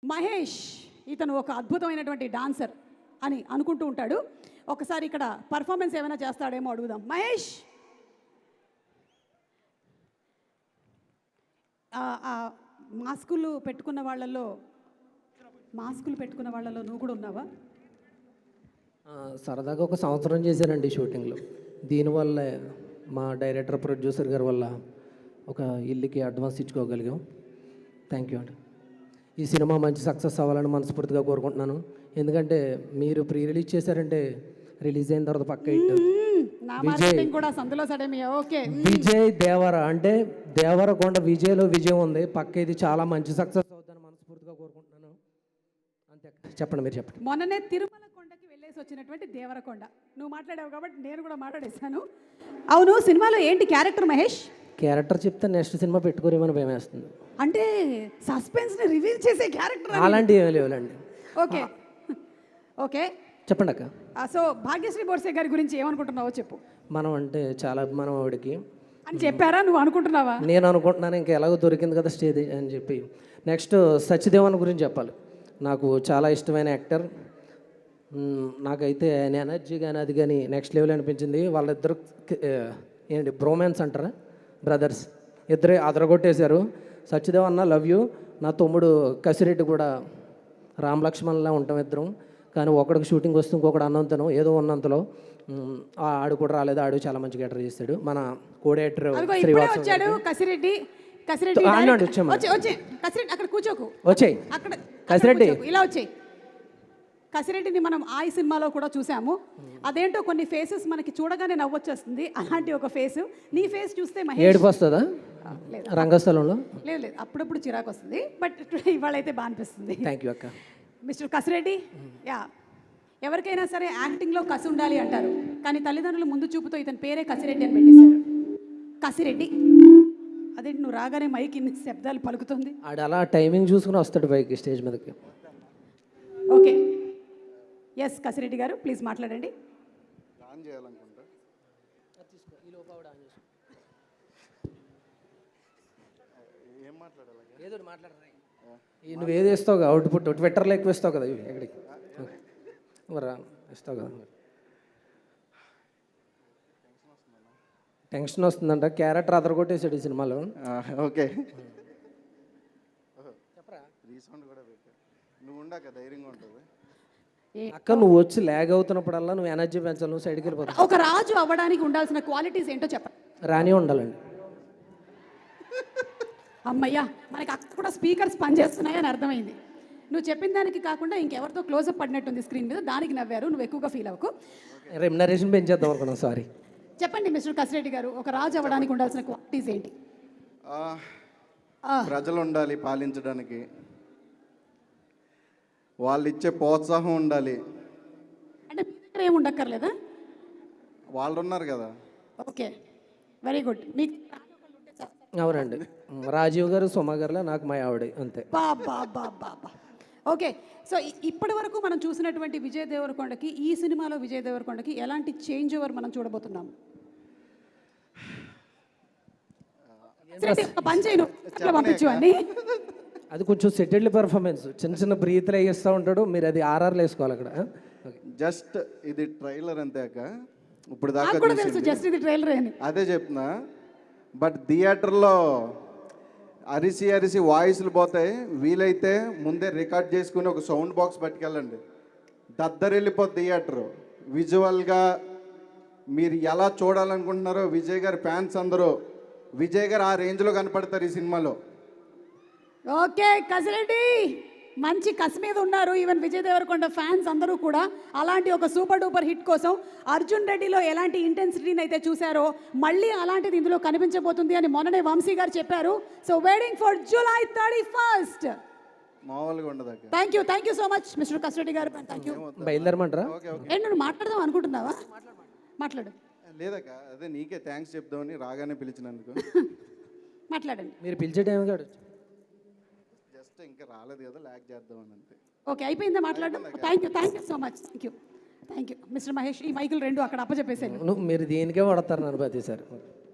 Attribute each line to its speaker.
Speaker 1: మహేష్ ఇతను ఒక అద్భుతమైనటువంటి డాన్సర్ అని అనుకుంటూ ఉంటాడు. ఒకసారి ఇక్కడ పర్ఫార్మెన్స్ ఏమైనా చేస్తాడేమో అడుగుదాం. మహేష్, మాస్కులు పెట్టుకున్న వాళ్ళలో నువ్వు కూడా ఉన్నావా?
Speaker 2: సరదాగా ఒక సంవత్సరం చేశానండి షూటింగ్లో. దీనివల్ల మా డైరెక్టర్ ప్రొడ్యూసర్ గారి వల్ల ఒక ఇల్లుకి అడ్వాన్స్ ఇచ్చుకోగలిగాం. థ్యాంక్ యూ అండి. ఈ సినిమా మంచి సక్సెస్ అవ్వాలని మనస్ఫూర్తిగా కోరుకుంటున్నాను. ఎందుకంటే మీరు ప్రీ రిలీజ్ చేశారంటే రిలీజ్ అయిన తర్వాత పక్క విజయ్ దేవర అంటే దేవరకొండ విజయ్లో విజయం ఉంది. పక్క ఇది చాలా మంచి సక్సెస్ అవుతుందని మనస్ఫూర్తిగా కోరుకుంటున్నాను. అంతే. చెప్పండి, మీరు చెప్పండి.
Speaker 1: మొన్ననే తిరుమల కొండకి వెళ్ళేసి వచ్చినటువంటి దేవరకొండ నువ్వు మాట్లాడావు కాబట్టి నేను కూడా మాట్లాడేశాను. అవును, సినిమాలో ఏంటి క్యారెక్టర్ మహేష్?
Speaker 2: క్యారెక్టర్ చెప్తే నెక్స్ట్ సినిమా పెట్టుకోరేమని భయం వేస్తుంది.
Speaker 1: అంటే సస్పెన్స్ ని రివీల్ చేసే క్యారెక్టర్
Speaker 2: అలాంటివి ఏమీ లేవులండి.
Speaker 1: ఓకే ఓకే,
Speaker 2: చెప్పండి అక్క.
Speaker 1: సో భాగ్యశ్రీ బోర్సే గారి గురించి ఏమనుకుంటున్నావో చెప్పు.
Speaker 2: మనం అంటే చాలా అభిమానం ఆవిడకి
Speaker 1: అని చెప్పారా? నువ్వు అనుకుంటున్నావా?
Speaker 2: నేను అనుకుంటున్నాను, ఇంకా ఎలాగో దొరికింది కదా స్టేజ్ అని చెప్పి. నెక్స్ట్ సత్యదేవన్ గురించి చెప్పాలి. నాకు చాలా ఇష్టమైన యాక్టర్. నాకైతే ఆయన ఎనర్జీ కానీ అది కానీ నెక్స్ట్ లెవెల్ అనిపించింది. వాళ్ళిద్దరు ఏంటి బ్రోమాన్స్ అంటారా, బ్రదర్స్, ఇద్దరే అదరగొట్టేశారు. సత్యదేవ్ అన్న లవ్ యూ. నా తమ్ముడు కసిరెడ్డి కూడా రామ్ లక్ష్మణ్లా ఉంటాం ఇద్దరం. కానీ ఒకడికి షూటింగ్ వస్తే ఇంకొకటి అన్నంతను ఏదో ఉన్నంతలో ఆడు కూడా రాలేదు. ఆడు చాలా మంచి గెటర్ చేస్తాడు. మన కోడేటర్
Speaker 1: వచ్చాడు కసిరెడ్డి. అక్కడ కూర్చోకు,
Speaker 2: వచ్చాయి కసిరెడ్డి,
Speaker 1: ఇలా వచ్చాయి. కసిరెడ్డిని మనం ఈ సినిమాలో కూడా చూసాము. అదేంటో కొన్ని ఫేసెస్ మనకి చూడగానే నవ్వొచ్చేస్తుంది. అలాంటి ఒక ఫేస్ నీ ఫేస్ చూస్తే
Speaker 2: ఏడుపు వస్తుందా రంగస్థలంలో?
Speaker 1: లేదు లేదు, అప్పుడప్పుడు చిరాకు వస్తుంది. బట్ ఇవాళ అయితే బాగా అనిపిస్తుంది.
Speaker 2: థ్యాంక్ యూ అక్క.
Speaker 1: మిస్టర్ కసిరెడ్డి, యా, ఎవరికైనా సరే యాక్టింగ్లో కసి ఉండాలి అంటారు. కానీ తల్లిదండ్రులు ముందు చూపుతో ఇతని పేరే కసిరెడ్డి అని పెట్టేశారు. కసిరెడ్డి, అదేంటి నువ్వు రాగానే మైక్ ఇన్ని శబ్దాలు పలుకుతుంది?
Speaker 2: ఆడు అలా టైమింగ్ చూసుకుని వస్తాడు పైకి స్టేజ్ మీదకి.
Speaker 1: ఓకే, ఎస్ కసిరెడ్డి గారు ప్లీజ్ మాట్లాడండి.
Speaker 2: నువ్వు ఏది ఇస్తావు కదా అవుట్పుట్, ట్విట్టర్లో ఎక్కువ ఇస్తావు కదా, ఎక్కడికి మరి ఇస్తావు కదా. టెన్షన్ వస్తుందంట. క్యారెక్టర్ అదరగొట్టేసాడు ఈ సినిమాలో.
Speaker 3: ఓకే,
Speaker 2: అక్క నువ్వు వచ్చి ల్యాగ్ అవుతున్నప్పుడల్లా నువ్వు ఎనర్జీ పెంచాలి, నువ్వు సైడ్కి వెళ్ళిపోతావు.
Speaker 1: ఒక రాజు అవ్వడానికి ఉండాల్సిన క్వాలిటీస్ ఏంటో చెప్పండి.
Speaker 2: రాని ఉండాలండి.
Speaker 1: అమ్మయ్యా, మనకి అక్కడ కూడా స్పీకర్స్ పనిచేస్తున్నాయని అర్థమైంది. నువ్వు చెప్పిన దానికి కాకుండా ఇంకెవరితో క్లోజప్ పడినట్టుంది స్క్రీన్ మీద, దానికి నవ్వారు. నువ్వు ఎక్కువగా ఫీల్ అవ్వకు.
Speaker 2: రెమ్యునరేషన్ పెంచేద్దాం అనుకున్నాను, సారీ.
Speaker 1: చెప్పండి మిస్టర్ కసిరెడ్డి గారు, ఒక రాజు అవ్వడానికి ఉండాల్సిన క్వాలిటీస్ ఏంటి?
Speaker 3: ప్రజలు ఉండాలి పాలించడానికి, వాళ్ళు ఇచ్చే ప్రోత్సాహం ఉండాలి.
Speaker 1: అంటే మీ దగ్గర ఏమి ఉండక్కర్లేదా?
Speaker 3: వాళ్ళు ఉన్నారు కదా.
Speaker 1: Okay, very good. మీకు
Speaker 2: అవునండి, రాజీవ్ గారు సుమా గారులా నాకు మా ఆవిడ అంతే.
Speaker 1: ఓకే, సో ఇప్పటి వరకు మనం చూసినటువంటి విజయ్ దేవరకొండకి, ఈ సినిమాలో విజయ్ దేవరకొండకి ఎలాంటి చేంజ్ ఓవర్ మనం చూడబోతున్నాము? పంపించు అని
Speaker 2: అది కొంచెం సెటిల్డ్ పెర్ఫార్మెన్స్, చిన్న చిన్న బ్రీత్లు వేస్తూ ఉంటాడు. మీరు అది ఆర్ఆర్లు వేసుకోవాలి అక్కడ.
Speaker 3: జస్ట్ ఇది ట్రైలర్ అంతే అక్క. ఇప్పుడు దాకా
Speaker 1: జస్ట్ ఇది ట్రైలర్ అని
Speaker 3: అదే చెప్తున్నా. బట్ థియేటర్లో అరిసి అరిసి వాయిస్లు పోతాయి. వీలైతే ముందే రికార్డ్ చేసుకుని ఒక సౌండ్ బాక్స్ పట్టుకెళ్ళండి. దద్దరెళ్ళిపోద్ది థియేటరు. విజువల్గా మీరు ఎలా చూడాలనుకుంటున్నారో విజయ్ గారి ఫ్యాన్స్ అందరూ విజయ్ గారు ఆ రేంజ్లో కనపడతారు ఈ సినిమాలో.
Speaker 1: ఓకే కసిరెడ్డి, మంచి కసి మీద ఉన్నారు ఈవెన్ విజయ్ దేవరకొండ ఫ్యాన్స్ అందరూ కూడా. అలాంటి ఒక సూపర్ డూపర్ హిట్ కోసం అర్జున్ రెడ్డిలో ఎలాంటి ఇంటెన్సిటీని అయితే చూసారో మళ్ళీ అలాంటిది ఇందులో కనిపించబోతుంది అని మొన్ననే వంశీ గారు చెప్పారు. So waiting for July 31st.
Speaker 3: మామూలుగా ఉండదు.
Speaker 1: Thank you so much mister Kasireddy గారు. Thank you.
Speaker 2: బయలుదేరమంటారా?
Speaker 1: నువ్వు మాట్లాడదాం అనుకుంటున్నావా? మాట్లాడు.
Speaker 3: లేదక్క, అదే నీకే థ్యాంక్స్ చెప్దామని రాగానే పిలిచినందుకు.
Speaker 1: మాట్లాడండి.
Speaker 2: మీరు పిలిచే టైం కాదు,
Speaker 3: జస్ట్ ఇంకా రాలేదు కదా, ల్యాక్ చేద్దామని అంతే.
Speaker 1: ఓకే, అయిపోయిందా మాట్లాడడం? Thank you so much. Thank you mister Mahesh. ఈ మైకులు రెండు అక్కడ అప్పచెప్పేసాను.
Speaker 2: మీరు దేనికే వాడతారు నన్ను ప్రతిసారి.